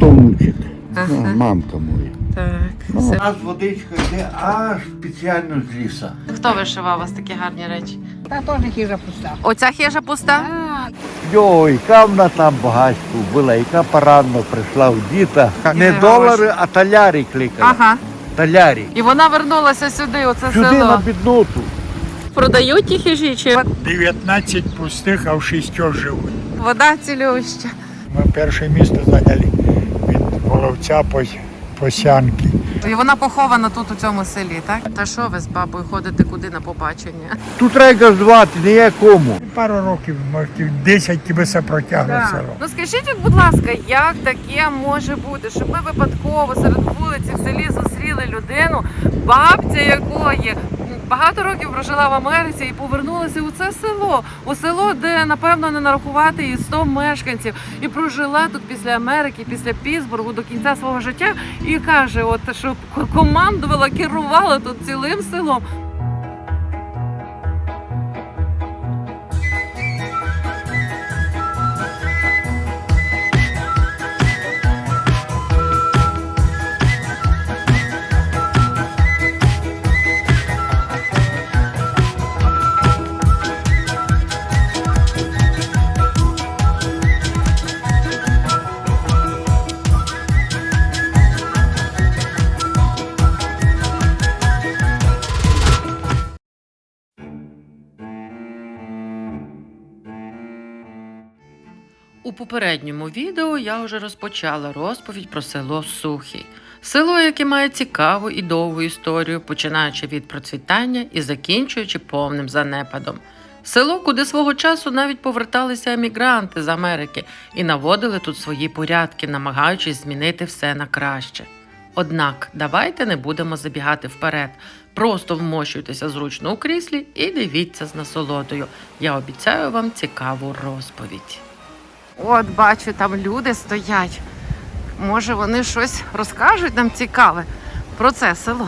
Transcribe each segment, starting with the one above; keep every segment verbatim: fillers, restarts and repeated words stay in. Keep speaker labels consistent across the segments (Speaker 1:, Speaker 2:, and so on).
Speaker 1: то внучик.
Speaker 2: Ага.
Speaker 1: Ну, мамка моя.
Speaker 2: Так.
Speaker 1: Ну,
Speaker 2: Все.
Speaker 1: у нас водичка йде аж спеціально з ліса.
Speaker 2: Хто вишивав у вас такі гарні речі?
Speaker 3: Та теж хижа пуста.
Speaker 2: Оця хижа пуста?
Speaker 1: Йо, яка вона там багатство була, яка поранно прийшла в діта. Не
Speaker 2: гроші.
Speaker 1: долари, а талярі кликали.
Speaker 2: Ага.
Speaker 1: Талярі.
Speaker 2: І вона вернулася сюди, оце
Speaker 1: Сюди
Speaker 2: село.
Speaker 1: на бідноту.
Speaker 2: Продають ті хижі чи
Speaker 4: дев'ятнадцять пустих, а в шістьох живуть.
Speaker 2: вода цілюща?
Speaker 4: Ми перше місце зайняли від Воловця по, по Сянки.
Speaker 2: І вона похована тут у цьому селі, так? Та що ви з бабою ходите куди на побачення?
Speaker 1: Тут треба газдувати, не є кому.
Speaker 4: Пару років, може, десять тебе все протягло село.
Speaker 2: Ну скажіть, будь ласка, як таке може бути, щоб ми випадково серед вулиці в селі зустріли людину, бабця якої багато років прожила в Америці і повернулася у це село, у село, де, напевно, не нарахувати і сто мешканців, і прожила тут після Америки, після Пітсбургу до кінця свого життя, і каже, от що командувала, керувала тут цілим селом. У попередньому відео я вже розпочала розповідь про село Сухий. Село, яке має цікаву і довгу історію, починаючи від процвітання і закінчуючи повним занепадом. Село, куди свого часу навіть поверталися емігранти з Америки і наводили тут свої порядки, намагаючись змінити все на краще. Однак, давайте не будемо забігати вперед. Просто вмощуйтеся зручно у кріслі і дивіться з насолодою. Я обіцяю вам цікаву розповідь. От, бачу, там люди стоять. Може, вони щось розкажуть нам цікаве про це село.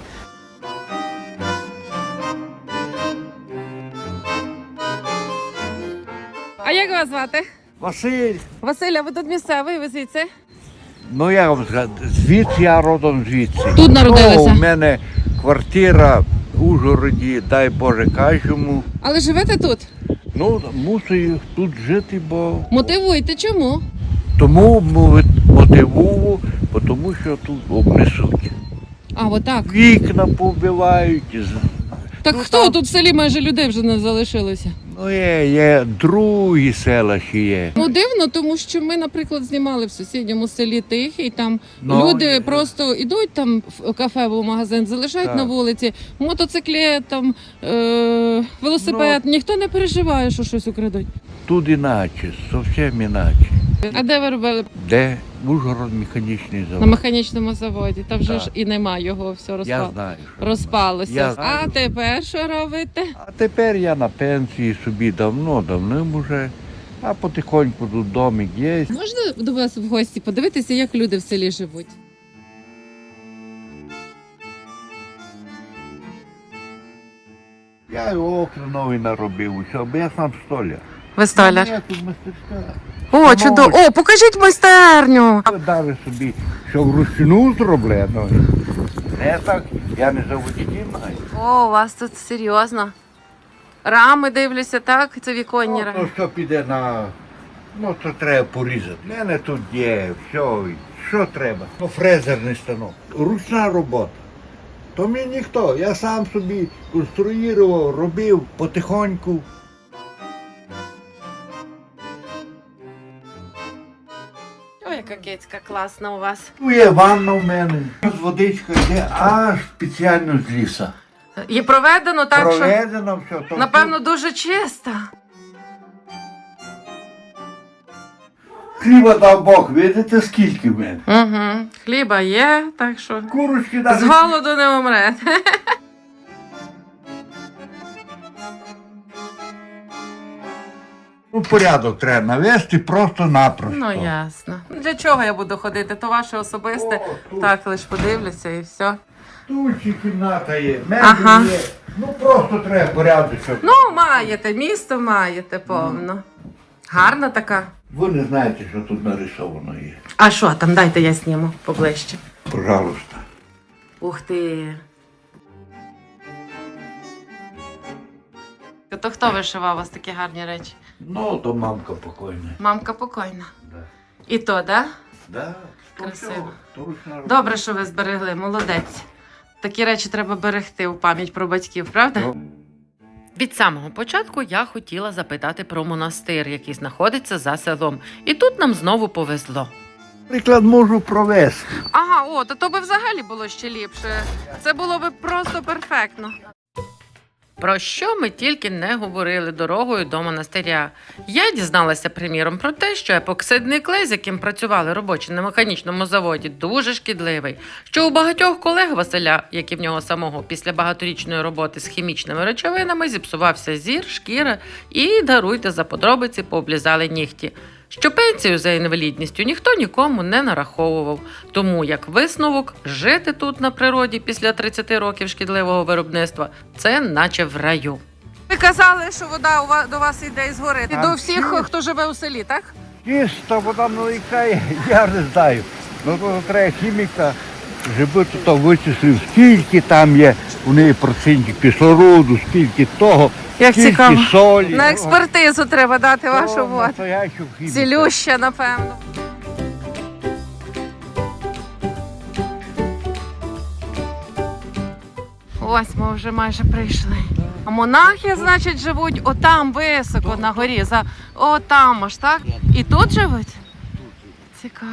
Speaker 2: А як вас звати?
Speaker 1: Василь,
Speaker 2: Василя, ви тут місцевий, ви звідси?
Speaker 1: ну я вам скажу, звідси я родом звідси.
Speaker 2: Тут народилися?
Speaker 1: Ну, у мене квартира в Ужгороді, дай Боже кожному.
Speaker 2: Але живете тут?
Speaker 1: Ну, мусив тут жити, бо
Speaker 2: Мотивуйте, чому?
Speaker 1: тому мотивую, тому що тут обнесуть.
Speaker 2: А, отак.
Speaker 1: Вікна побивають.
Speaker 2: Так
Speaker 1: Ну,
Speaker 2: хто
Speaker 1: там-
Speaker 2: тут в селі майже людей вже не залишилося?
Speaker 1: Ну, є, є другі села ще є.
Speaker 2: Ну дивно, тому що ми, наприклад, знімали в сусідньому селі Тихий, там
Speaker 1: Ну,
Speaker 2: люди
Speaker 1: є.
Speaker 2: просто йдуть там в кафе або в магазин, залишають
Speaker 1: Так.
Speaker 2: на вулиці, мотоциклет, там, е- велосипед,
Speaker 1: Ну.
Speaker 2: ніхто не переживає, що щось украдуть.
Speaker 1: Тут іначе, зовсім іначе.
Speaker 2: А де ви робили?
Speaker 1: Де? Ужгород механічний
Speaker 2: На
Speaker 1: завод.
Speaker 2: механічному заводі, та вже
Speaker 1: Так.
Speaker 2: ж і нема його, все
Speaker 1: Я
Speaker 2: розпало.
Speaker 1: знаю. що
Speaker 2: розпалося.
Speaker 1: Я
Speaker 2: А
Speaker 1: знаю.
Speaker 2: тепер що робите?
Speaker 1: А тепер я на пенсії собі давно-давно вже, а потихоньку тут домик є.
Speaker 2: Можна до вас в гості подивитися, як люди в селі живуть?
Speaker 1: Я і окна нові наробив, усе, бо я сам столяр.
Speaker 2: Ви столяр?
Speaker 1: Я тут мастерська.
Speaker 2: О, чудово. О, покажіть майстерню.
Speaker 1: Даже собі, що вручну зроблено. Не так, я не заводський маю.
Speaker 2: О, у вас тут серйозно. Рами дивлюся, так? Це віконні
Speaker 1: Ну,
Speaker 2: рами.
Speaker 1: то що піде на... Ну, то треба порізати. У мене тут є, все, що треба. Ну, фрезерний станок. Ручна робота. То мені ніхто. Я сам собі конструював, робив потихоньку.
Speaker 2: Ой, яка кицька класна у вас.
Speaker 1: Тут є ванна в мене. Тут водичка йде аж спеціально з ліса.
Speaker 2: І проведено так, що,
Speaker 1: Проведено все. То
Speaker 2: напевно, дуже чисто.
Speaker 1: хліба дав Бог, видите, скільки в мене.
Speaker 2: Угу. Хліба є, так що
Speaker 1: Курочки
Speaker 2: з
Speaker 1: навіть.
Speaker 2: голоду не умре.
Speaker 1: Ну, порядок треба навести просто-напросто.
Speaker 2: Ну, ясно. Для чого я буду ходити? То ваше особисте.
Speaker 1: О, тут.
Speaker 2: Так, лише подивлюся і все.
Speaker 1: Тут ще кімната є, мебель
Speaker 2: Ага.
Speaker 1: є. Ну просто треба порядок. щоб-
Speaker 2: Ну, маєте, місто маєте повно. Гарна така.
Speaker 1: Ви не знаєте, що тут нарисовано є.
Speaker 2: А що там? Дайте я зніму поближче.
Speaker 1: Пожалуйста.
Speaker 2: Ух ти. То хто вишивав у вас такі гарні речі?
Speaker 1: Ну, то мамка покойна.
Speaker 2: Мамка покойна.
Speaker 1: Да.
Speaker 2: І то, да?
Speaker 1: Да, то
Speaker 2: Красиво.
Speaker 1: всього, то ручна робота.
Speaker 2: Добре, що ви зберегли, молодець. Такі речі треба берегти у пам'ять про батьків, правда?
Speaker 1: Ну.
Speaker 2: Від самого початку я хотіла запитати про монастир, який знаходиться за селом. І тут нам знову повезло.
Speaker 1: Приклад можу провести.
Speaker 2: Ага, о, то, то би взагалі було ще ліпше. Це було би просто перфектно. Про що ми тільки не говорили дорогою до монастиря. Я дізналася, приміром, про те, що епоксидний клей, з яким працювали робочі на механічному заводі, дуже шкідливий. Що у багатьох колег Василя, як і в нього самого, після багаторічної роботи з хімічними речовинами, зіпсувався зір, шкіра і, даруйте за подробиці, пооблізали нігті. Що пенсію за інвалідністю ніхто нікому не нараховував. Тому, як висновок, жити тут на природі після тридцяти років шкідливого виробництва – це наче в раю. Ви казали, що вода у вас, до вас йде із гори.
Speaker 1: Там
Speaker 2: До всіх,
Speaker 1: всі.
Speaker 2: хто живе у селі, так?
Speaker 1: Чисто вода наlikає, я не знаю. Ну, то треба хіміка, щоб тут вичислив, скільки там є у неї процентів кислороду, скільки того,
Speaker 2: Як
Speaker 1: скільки
Speaker 2: цікаво.
Speaker 1: солі.
Speaker 2: На експертизу треба дати
Speaker 1: О,
Speaker 2: вашу воду.
Speaker 1: настоящу хіміку.
Speaker 2: Цілюща, напевно. Ось ми вже майже прийшли. А монахи, значить, живуть отам високо на горі. За... Отам аж, так? І тут живуть? Цікаво.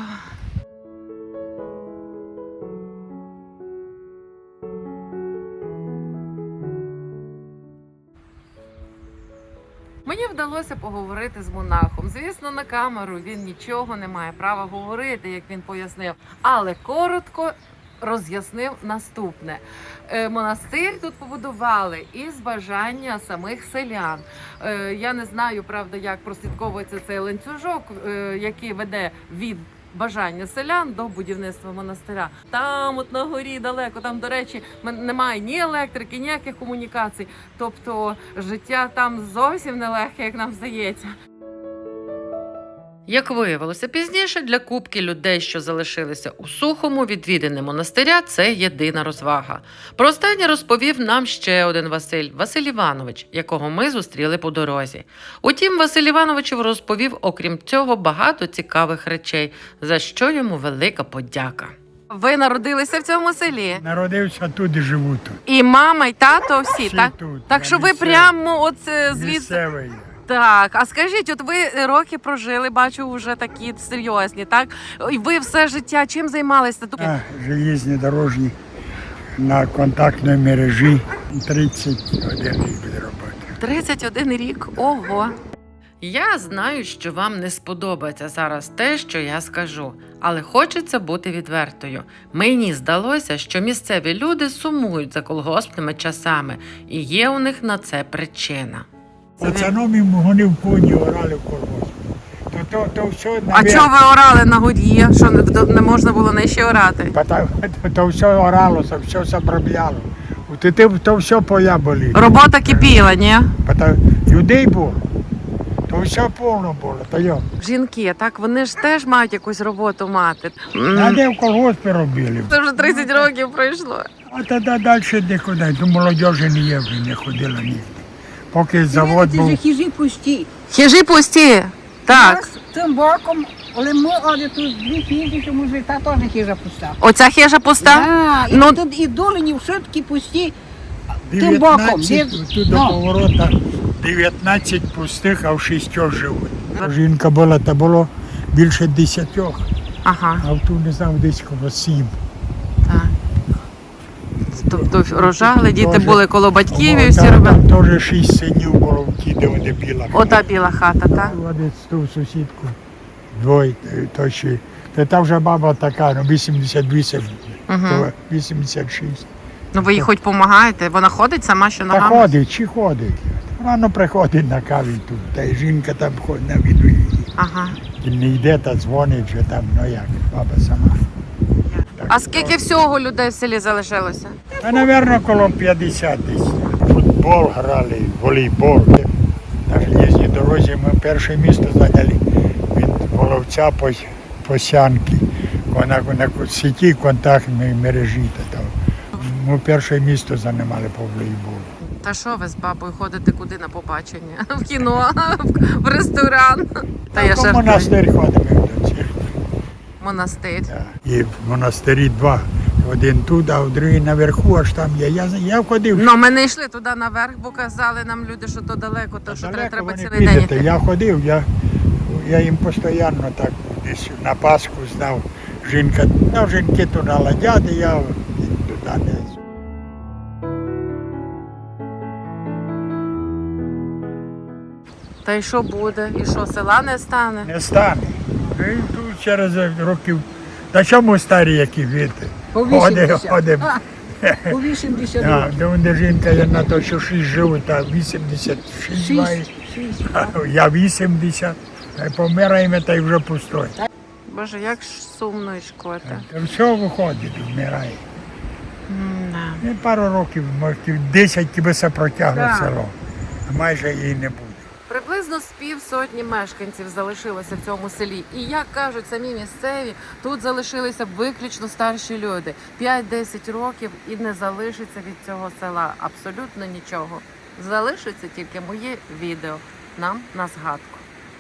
Speaker 2: Мені вдалося поговорити з монахом. Звісно, на камеру він нічого не має права говорити, як він пояснив, але коротко роз'яснив наступне. Е, Монастир тут побудували із бажання самих селян. Е, Я не знаю, правда, як прослідковується цей ланцюжок, е, який веде від бажання селян до будівництва монастиря. Там, от на горі далеко, там, до речі, м- немає ні електрики, ніяких комунікацій. Тобто життя там зовсім нелегке, як нам здається. Як виявилося пізніше, для купки людей, що залишилися у Сухому, відвідини монастиря – це єдина розвага. Про останнє розповів нам ще один Василь – Василь Іванович, якого ми зустріли по дорозі. Утім, Василь Іванович розповів, окрім цього, багато цікавих речей, за що йому велика подяка. Ви народилися в цьому селі?
Speaker 4: Народився тут і живу тут.
Speaker 2: І мама, і тато всі,
Speaker 4: Всі
Speaker 2: так?
Speaker 4: тут.
Speaker 2: Так
Speaker 4: Я
Speaker 2: що ви
Speaker 4: місцевий.
Speaker 2: прямо от е, звідси...
Speaker 4: Місцевий.
Speaker 2: Так, а скажіть, от ви роки прожили, бачу, вже такі серйозні, так? І ви все життя чим займалися? Тут
Speaker 4: А, железні дорожні на контактній мережі. тридцять один рік буде роботи.
Speaker 2: тридцять один рік, ого. Я знаю, що вам не сподобається зараз те, що я скажу, але хочеться бути відвертою. Мені здалося, що місцеві люди сумують за колгоспними часами, і є у них на це причина.
Speaker 4: Пацаном вони в коні орали в колгоспі. То, то, то все,
Speaker 2: А чого ви орали на горі? Що не, не можна було нижче орати?
Speaker 4: то, то, то все оралося, все забробляло. То, то, то все поля були.
Speaker 2: Робота кипіла, ні?
Speaker 4: То, людей було, то все повно було. То йо.
Speaker 2: Жінки, так, вони ж теж мають якусь роботу мати.
Speaker 4: А де в колгоспі робили?
Speaker 2: Це вже тридцять років пройшло.
Speaker 4: А тоді далі нікуди. До молодежі не є, вже не ходила ніде. Поки завод
Speaker 3: Це ж
Speaker 4: був.
Speaker 3: хижі пусті.
Speaker 2: Хижі пусті. Так.
Speaker 3: Нас цим боком, але ми оде тут дві хижі, тому що та теж хижа пуста.
Speaker 2: Оця хижа пуста?
Speaker 3: Да, і
Speaker 2: Ну-
Speaker 3: тут і долині все таки пусті. Тим боком.
Speaker 4: дев'ятнадцять,
Speaker 3: де-
Speaker 4: тут до
Speaker 3: ну.
Speaker 4: поворота дев'ятнадцять пустих, а в шістьох живуть. Жінка була, та було більше десятьох,
Speaker 2: Ага,
Speaker 4: а тут не знав, десь коло сім.
Speaker 2: так. Тобто рожали, діти
Speaker 4: Тоже.
Speaker 2: були коло батьків і
Speaker 4: О,
Speaker 2: всі
Speaker 4: там,
Speaker 2: робили.
Speaker 4: там теж шість синів було в ті, де вони біла.
Speaker 2: Ота біла хата, так?
Speaker 4: Водить ту сусідку. Двоє, е, то ще. Та та вже баба така, ну вісімдесят вісім,
Speaker 2: Угу.
Speaker 4: то вісімдесят шість.
Speaker 2: Ну ви їй хоч допомагаєте? Вона ходить сама, що
Speaker 4: Та
Speaker 2: ногами?
Speaker 4: ходить, чи ходить. Рано приходить на каві тут, та й жінка там ходить на віду її.
Speaker 2: Ага.
Speaker 4: І не йде та дзвонить, що там, ну як, баба сама. Так,
Speaker 2: А скільки всього людей в селі залишилося?
Speaker 4: Та, напевно, коло п'ятдесят десь. Футбол грали, волейбол. Так железній дорозі ми перше місто зайняли від Воловця по, по Сянки. Вона на сіті контактної мережі. Та там. Ми перше місто займали по волейболу.
Speaker 2: Та що ви з бабою ходите куди на побачення? В кіно, в ресторан. Та я
Speaker 4: В
Speaker 2: жартую.
Speaker 4: монастир ходимо до цих.
Speaker 2: Монастир.
Speaker 4: Да. І в монастирі два. Один тут, а другий наверху, аж там є. Я, я ходив.
Speaker 2: Ну, ми не йшли туди наверх, бо казали нам люди, що то далеко, то що треба, треба
Speaker 4: ви не
Speaker 2: цілий день
Speaker 4: підете.
Speaker 2: йти.
Speaker 4: Я ходив, я, я їм постійно так десь на Пасху знав. Жінка, ну, жінки туди ладять, і я туди не.
Speaker 2: Та й що буде? І що, села не стане?
Speaker 4: Не стане. І тут через років. Та чому старі, які віти?
Speaker 3: По
Speaker 4: Ходимо,
Speaker 3: вісімдесят.
Speaker 4: ходимо.
Speaker 3: У вісімдесят
Speaker 4: А,
Speaker 3: років.
Speaker 4: де де жінка, я на то, що шість живуть, а вісімдесят шість має.
Speaker 3: Шість. Шість.
Speaker 4: Я вісімдесят. А помираємо, та й вже пустой.
Speaker 2: Боже, як ж сумно і шкода.
Speaker 4: Та все виходить, вмирає.
Speaker 2: М-да.
Speaker 4: І пару років, може, десять тебе все протягло
Speaker 3: Так.
Speaker 4: село. А майже її не буде.
Speaker 2: Приблизно з півсотні мешканців залишилося в цьому селі. І, як кажуть самі місцеві, тут залишилися виключно старші люди. п'ять-десять років і не залишиться від цього села абсолютно нічого. Залишиться тільки моє відео нам на згадку.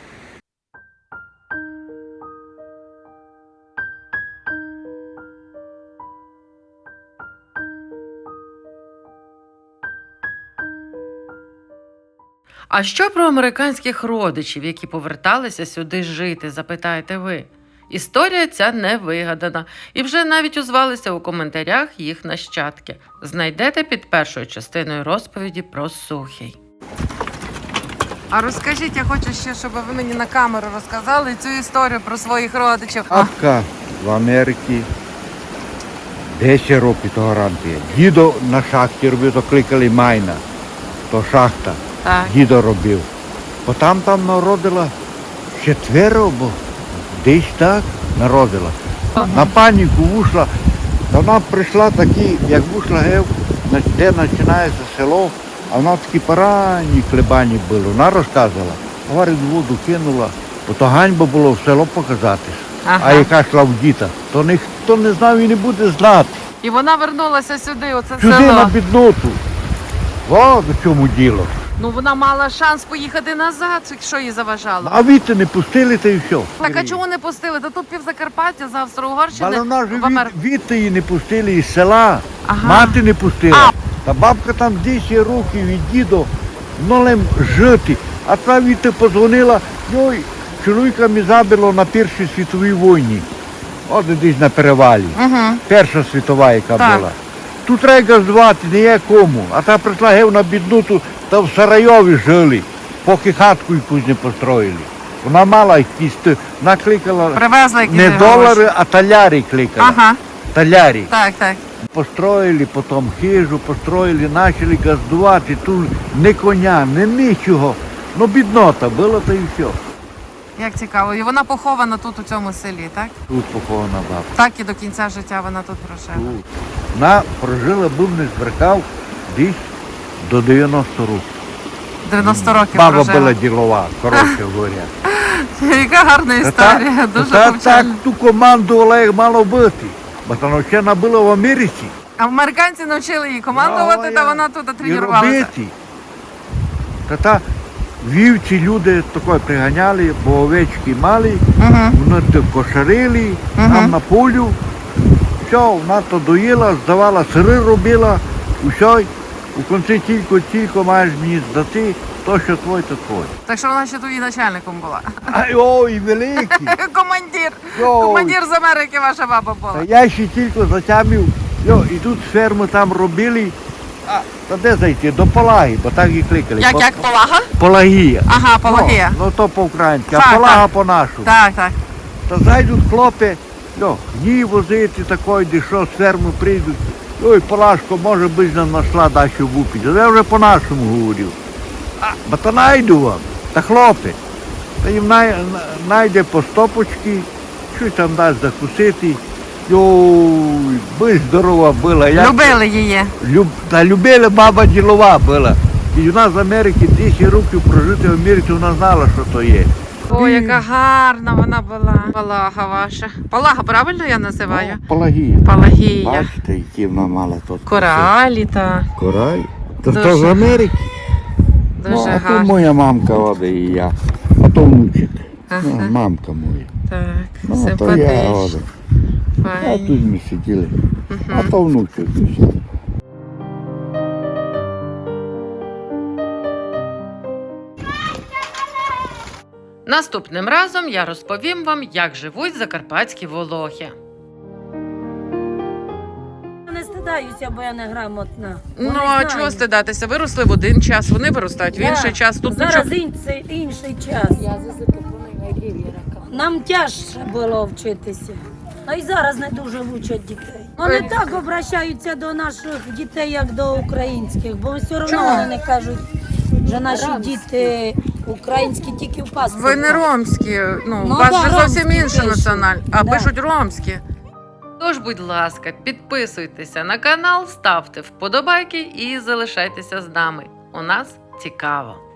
Speaker 2: А що про американських родичів, які поверталися сюди жити, запитаєте ви? Історія ця не вигадана, і вже навіть озвалися у коментарях їх нащадки. Знайдете під першою частиною розповіді про Сухий. А розкажіть, я хочу ще, щоб ви мені на камеру розказали цю історію про своїх родичів.
Speaker 1: Бабка в Америці десять років того ранку. Дідо на шахті робив, то кликали майна, то шахта.
Speaker 2: Так.
Speaker 1: Дідо робив. Бо там там народила четверо, бо десь так народила. На паніку вийшла, та вона прийшла такі, як вийшла гев, де починається село, а вона такі поранні хлебані були. Вона розказувала, говорить, воду кинула, бо то ганьба було в село показатись.
Speaker 2: Ага.
Speaker 1: А яка йшла в діта, то ніхто не знав і не буде знати.
Speaker 2: І вона вернулася сюди, оце
Speaker 1: Сюди
Speaker 2: село.
Speaker 1: на бідноту. О, до чому діло.
Speaker 2: Ну вона мала шанс поїхати назад, що їй заважало.
Speaker 1: А віти не пустили, та й все.
Speaker 2: Так а чому не пустили? Та тут півзакарпаття з Австро-Угорщини
Speaker 1: Але вона ж
Speaker 2: в Амер...
Speaker 1: від, віти її не пустили із села,
Speaker 2: Ага.
Speaker 1: мати не пустила.
Speaker 2: А.
Speaker 1: Та бабка там десять років від дідо, нолем жити. А та віти подзвонила, йой, чоловіка мені забило на Першій світовій війні. От десь на перевалі.
Speaker 2: Угу.
Speaker 1: Перша світова, яка
Speaker 2: Так.
Speaker 1: була. Тут треба газдувати, не є кому. А та прийшла гев на біднуту, та в Сарайові жили, поки хатку якусь не построїли. Вона мала якісь, т- накликала
Speaker 2: Привезли якісь
Speaker 1: не
Speaker 2: гроші.
Speaker 1: долари, а талярі кликала.
Speaker 2: Ага,
Speaker 1: Талярі.
Speaker 2: так, так.
Speaker 1: Построїли, потім хижу, построїли, почали газдувати. Тут не коня, не нічого. Ну біднота була, та й все.
Speaker 2: Як цікаво. І вона похована тут у цьому селі, так?
Speaker 1: Тут похована баба.
Speaker 2: Так і до кінця життя вона тут прожила.
Speaker 1: Тут. Вона прожила, був не збрехав, десь до дев'яноста років.
Speaker 2: дев'яносто років
Speaker 1: Баба
Speaker 2: прожила.
Speaker 1: була ділова, коротше говоря.
Speaker 2: Яка гарна історія,
Speaker 1: Та
Speaker 2: дуже
Speaker 1: та- так
Speaker 2: повчальна.
Speaker 1: ту командувала, як мало бути. Бо та навчена була в Америці.
Speaker 2: А американці навчили її командувати,
Speaker 1: Ну,
Speaker 2: та
Speaker 1: я-
Speaker 2: вона тут
Speaker 1: І
Speaker 2: тренувалася.
Speaker 1: робити. Та та вівці люди такої приганяли, бо овечки мали,
Speaker 2: Угу.
Speaker 1: вони то кошарили,
Speaker 2: Мгм.
Speaker 1: там на полю. Все, вона то доїла, здавала, сири робила, усе. У кінці тільки-тільки маєш мені здати, то, що твоє, то твоє.
Speaker 2: Так що вона ще тут і начальником була.
Speaker 1: Ай, ой, великий.
Speaker 2: Командир.
Speaker 1: Йой.
Speaker 2: Командир з Америки ваша баба була.
Speaker 1: Та я ще тільки затямив, йо, і тут ферму там робили, а, та де зайти, до Полаги, бо так і кликали.
Speaker 2: Як,
Speaker 1: По-
Speaker 2: як полага?
Speaker 1: Полагія.
Speaker 2: Ага, Пологія.
Speaker 1: Ну, ну то по-українськи,
Speaker 2: Так,
Speaker 1: а Полага
Speaker 2: так.
Speaker 1: по-нашому.
Speaker 2: Так, так.
Speaker 1: Та зайдуть хлопці, йо, гній возити такої, де що з ферми прийдуть. Ой, Полашко, може би нам знайшла дачу в Упі. Я вже по-нашому говорив. А, бо то найду вам. Та хлопці. Та їм най, на- найде по стопочки, щось там дасть закусити. Йой, би здорова була. Як-
Speaker 2: Любили її.
Speaker 1: Люб... Та любила баба ділова була. І вона з Америки десять років прожити в Америці, вона знала, що то є.
Speaker 2: О, яка гарна вона була. Палага ваша. Палага, правильно я називаю?
Speaker 1: О, Палагія.
Speaker 2: Палагія.
Speaker 1: Бачите, які вона мала тут.
Speaker 2: Коралі, та.
Speaker 1: Кораль. То
Speaker 2: Дуже
Speaker 1: то з Америки.
Speaker 2: Дуже
Speaker 1: Ну, а то
Speaker 2: гарно.
Speaker 1: моя мамка оде і я. А то внучик.
Speaker 2: Ага.
Speaker 1: Ну, мамка моя.
Speaker 2: Так,
Speaker 1: Ну, то я
Speaker 2: симпатично.
Speaker 1: оде. А
Speaker 2: Файні.
Speaker 1: тут ми сиділи. А
Speaker 2: Мгм.
Speaker 1: то внучик. все.
Speaker 2: Наступним разом я розповім вам, як живуть закарпатські волохи.
Speaker 5: Не стидаюся, бо я не грамотна.
Speaker 2: Ну,
Speaker 5: Вони
Speaker 2: а
Speaker 5: знають.
Speaker 2: чого стидатися? Виросли в один час, вони виростають в
Speaker 5: Да.
Speaker 2: інший час. Тут
Speaker 5: Зараз
Speaker 2: нічого.
Speaker 5: інший, інший час. Нам тяжче було вчитися. А й зараз не дуже вчать дітей. Вони
Speaker 2: Е.
Speaker 5: так обращаються до наших дітей, як до українських, бо все одно
Speaker 2: Чому?
Speaker 5: вони не кажуть, що наші діти українські тільки в паспорті.
Speaker 2: Ви не ромські, ну,
Speaker 5: Ну,
Speaker 2: у вас
Speaker 5: да,
Speaker 2: же зовсім
Speaker 5: ромські
Speaker 2: інша
Speaker 5: пишуть.
Speaker 2: національність, а
Speaker 5: Да.
Speaker 2: пишуть ромські. Тож, будь ласка, підписуйтеся на канал, ставте вподобайки і залишайтеся з нами. У нас цікаво.